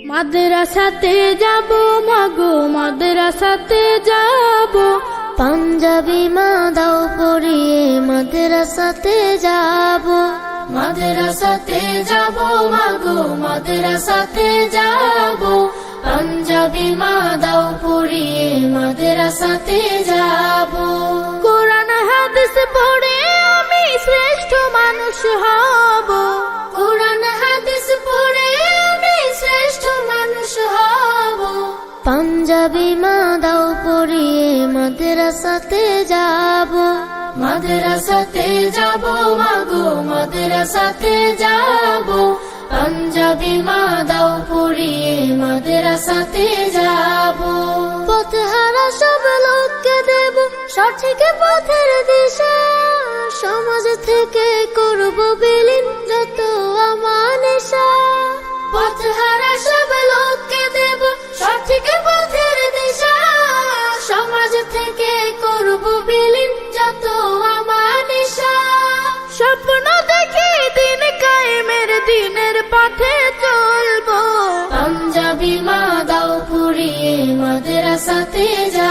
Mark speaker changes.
Speaker 1: মাদ্রাসাতে যাব মাগো মাদ্রাসাতে যাব,
Speaker 2: পাঞ্জাবি মা দাও পরিয়ে মাদ্রাসাতে যাব।
Speaker 1: মাদ্রাসাতে যাব মাগো মাদ্রাসাতে যাব, পাঞ্জাবি মা দাও পরিয়ে মাদ্রাসাতে যাব। কোরআন হাদিস পড়ে আমি শ্রেষ্ঠ মানুষ হব, কোরআন হাদিস পড়ে আমি শ্রেষ্ঠ মানুষ হব।
Speaker 2: পাঞ্জাবি মা দাও পরিয়ে মাদ্রাসাতে যাব।
Speaker 1: মাদ্রাসাতে যাব মাগো মাদ্রাসাতে যাব, পাঞ্জাবি মা দাও পরিয়ে মাদ্রাসাতে যাব।
Speaker 2: পথহারা সব লোককে দেব সঠিক পথের দিশা, সমাজ থেকে করব বিলীন যত আমানেশা।
Speaker 1: পথহারা সব লোককে দেব সঠিক পথের দিশা, সমাজ থেকে করব বিলীন যত আমানিশা। স্বপ্ন দেখি দিন কায়েমের দিনের পথে চলবো, পাঞ্জাবি মা দাও পরিয়ে মাদ্রাসাতে যাব।